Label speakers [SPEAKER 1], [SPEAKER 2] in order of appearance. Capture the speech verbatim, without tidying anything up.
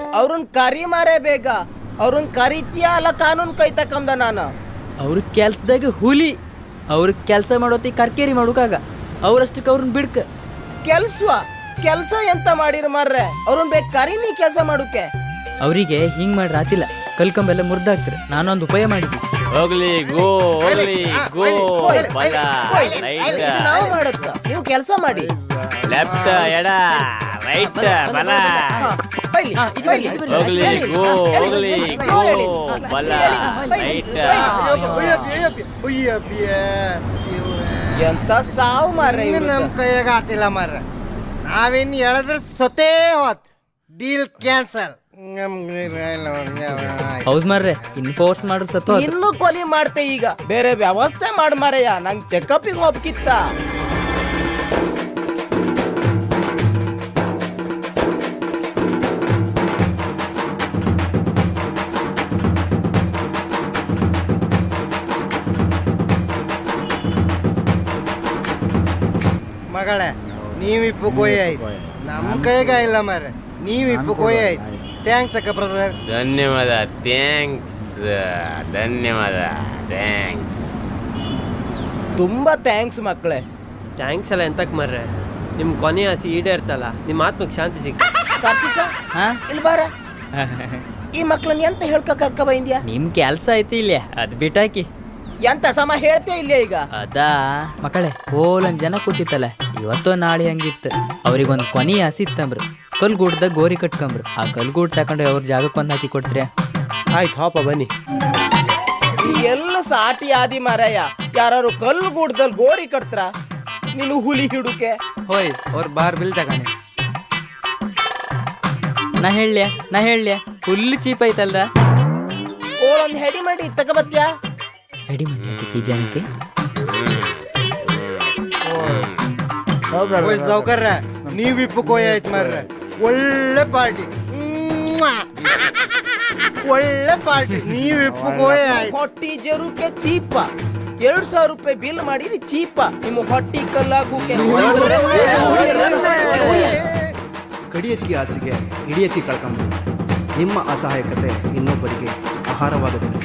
[SPEAKER 1] ಅವ್ರನ್ನ ಕರಿ ಮಾರೇ ಬೇಗ. ಅವ್ರನ್ನ ಕರಿತೀಯ ಅಲ್ಲ ಕಾನೂನು ಕೈ ತಕಂದ ನಾನು.
[SPEAKER 2] ಅವ್ರ ಕೆಲ್ಸದಾಗ ಹುಲಿ, ಅವ್ರ ಕೆಲಸ ಮಾಡೋತಿ ಕರ್ಕೇರಿ ಮಾಡೋಕಾಗ ಅವ್ರಷ್ಟಕ್ಕೆ ಅವ್ರನ್ನ ಬಿಡ್ಕ.
[SPEAKER 1] ಕೆಲ್ಸ ಕೆಲ್ಸ ಎಂತ ಮಾಡಿರ ಮಾರ್ರೆ, ಅವ್ರನ್ನ ಬೇಕು ಕರಿ ನೀ ಕೆಲಸ ಮಾಡೋಕೆ.
[SPEAKER 2] ಅವರಿಗೆ ಹಿಂಗ್ ಮಾಡ್ರ ಆತಿಲ್ಲ, ಕಲ್ಕಂಬೆಲ್ಲ ಮುರ್ದಾಕ್ತಾರೆ. ನಾನೊಂದು ಉಪಾಯ ಮಾಡಿದ್ವಿ.
[SPEAKER 3] ಹೋಗ್ಲಿ ಗೋ ಹೋಗ್ಲಿ ಗೋ ಬಲ ರೈಟ್
[SPEAKER 1] ನಾವು ಮಾಡತ್ತ, ನೀವು ಕೆಲಸ ಮಾಡಿ.
[SPEAKER 3] ಲೆಫ್ಟ್ ಎಡ ರೈಟ್ ಬಲ. ಹೋಗ್ಲಿ ಗೋ ಹೋಗ್ಲಿ ಗೋ ಬಲ ರೈಟ್.
[SPEAKER 1] ಎಂತ ಸಾವು ಮಾರ್ರೆ,
[SPEAKER 4] ನಮ್ ಕೈಯಾಗ ಆತಿಲ್ಲ ಮಾರ್ರ. ನಾವೇನ್ ಹೇಳಿದ್ರೆ ಸತೇ ಹೋತ್, ಡೀಲ್ ಕ್ಯಾನ್ಸಲ್.
[SPEAKER 2] ಹೌದ್ ಮಾರ್ರೆ, ಇನ್ ಫೋರ್ಸ್ ಮಾಡ್ರ ಸತ್ತು.
[SPEAKER 1] ಇನ್ನು ಕೊಲಿ ಮಾಡ್ತೆ ಈಗ. ಬೇರೆ ವ್ಯವಸ್ಥೆ ಮಾಡ್ ಮಾರಯ್ಯ, ನಂಗೆ ಚೆಕಪ್ಪಿಗೆ ಹೋಗ್ಕಿತ್ತ.
[SPEAKER 4] ಮಗಳೇ, ನೀವಿಪ್ಪು ಕೊಯ್ ಆಯ್ತು, ನಮ್ ಕೈಗ ಇಲ್ಲ ಮಾರ್ರೆ. ನೀವಿಪ್ಪು ಕೊಯ್ ಆಯ್ತು. ಥ್ಯಾಂಕ್ಸ್ ಅಕ್ಕ ಬ್ರದರ್.
[SPEAKER 3] ಧನ್ಯವಾದ. ಥ್ಯಾಂಕ್ಸ್ ಧನ್ಯವಾದ. ಥ್ಯಾಂಕ್ಸ್
[SPEAKER 1] ತುಂಬಾ ಥ್ಯಾಂಕ್ಸ್ ಮಕ್ಕಳೇ.
[SPEAKER 5] ಥ್ಯಾಂಕ್ಸ್ ಅಲ್ಲ ಎಂತಕ್ ಮರ್ರೆ, ನಿಮ್ ಕೊನೆ ಆಸೆ ಈಡೇರ್ತಲ್ಲ, ನಿಮ್ಮ ಆತ್ಮಕ್ಕೆ ಶಾಂತಿ ಸಿಗ್ತ.
[SPEAKER 1] ಕಾರ್ತಿಕ
[SPEAKER 2] ಹಾ
[SPEAKER 1] ಇಲ್ಲಿ ಬಾರ. ಈ ಮಕ್ಳನ್ನ ಎಂತ ಹೇಳ್ಕ ಕರ್ಕ ಬಂದ್ಯಾ?
[SPEAKER 2] ನಿಮ್ ಕೆಲ್ಸ ಐತಿ ಇಲ್ಲ, ಅದ್ ಬಿಟ್ಟಾಕಿ.
[SPEAKER 1] ಎಂತ ಸಮ ಹೇಳ್ತೇ ಇಲ್ಲ ಈಗ.
[SPEAKER 2] ಅದಾ ಮಕ್ಕಳೇ, ಓಲೊಂದ್ ಜನ ಕೂತಿತ್ತಲ್ಲ, ಇವತ್ತೋ ನಾಳೆ ಹಂಗಿತ್ತು. ಅವ್ರಿಗೊಂದ್ ಕೊನಿ ಹಸಿತ್ತಂಬ್ರು, ಕಲ್ಗೂಡ್ದಾಗ ಗೋರಿ ಕಟ್ಕೊಂಬ್ರು. ಆ ಕಲ್ಗೂಡ್ ತಕೊಂಡು ಅವ್ರ ಜಾಗಕ್ಕೆ ಒಂದ್ ಹಾಕಿ ಕೊಡ್ತೀರ?
[SPEAKER 5] ಆಯ್ತು ಹಾಪ ಬನ್ನಿ.
[SPEAKER 1] ಈ ಎಲ್ಲ ಸಾಟಿ ಆದಿ ಮಾರಯ್ಯ, ಯಾರು ಕಲ್ಲು ಗೂಡ್ದಲ್ಲಿ ಗೋರಿ ಕಟ್ತ್ರ, ನೀನು ಹುಲಿ ಹಿಡುಕೆ.
[SPEAKER 6] ಹೋಯ್ ಅವ್ರ ಬಾರ್ ಬಿಲ್ ತಗೊಂಡೆ.
[SPEAKER 2] ನಾ ಹೇಳ್ಯ ನಾ ಹೇಳ್ಯ ಫುಲ್ ಚೀಪ್ ಐತಲ್ದ.
[SPEAKER 1] ಓಳೊಂದ್ ಹೆಡಿ ಮಾಡಿ ತಗೋಬತ್ಯಾ?
[SPEAKER 2] ಹೆಡಿ ಮಂಡಿ ಜನಕ್ಕೆ
[SPEAKER 4] ಸೌಕರ್ಯ, ನೀವಿಪ್ಪು ಕೊಯ್ ಆಯ್ತು ಮಾರ್ರೆ. ಒಳ್ಳೆ ಪಾರ್ಟಿ, ಒಳ್ಳೆ ಪಾರ್ಟಿ. ನೀವಿಪ್ಪು ಕೊಯ್ ಆಯ್ತು.
[SPEAKER 1] ಹೊಟ್ಟಿ ಜರುಕೆ ಚೀಪ. ಎರಡ್ ಸಾವಿರ ರೂಪಾಯಿ ಬಿಲ್ ಮಾಡಿರಿ ಚೀಪ. ನಿಮ್ಮ ಹೊಟ್ಟಿ ಕಲ್ಲಾಗುಕೆ.
[SPEAKER 7] ಕಡಿಯಕ್ಕಿ ಆಸೆಗೆ ಹಿಡಿಯಕ್ಕಿ ಕಳ್ಕೊಂಬ. ನಿಮ್ಮ ಅಸಹಾಯಕತೆ ಇನ್ನೊಬ್ಬರಿಗೆ ಆಹಾರವಾಗದಿರಲಿ.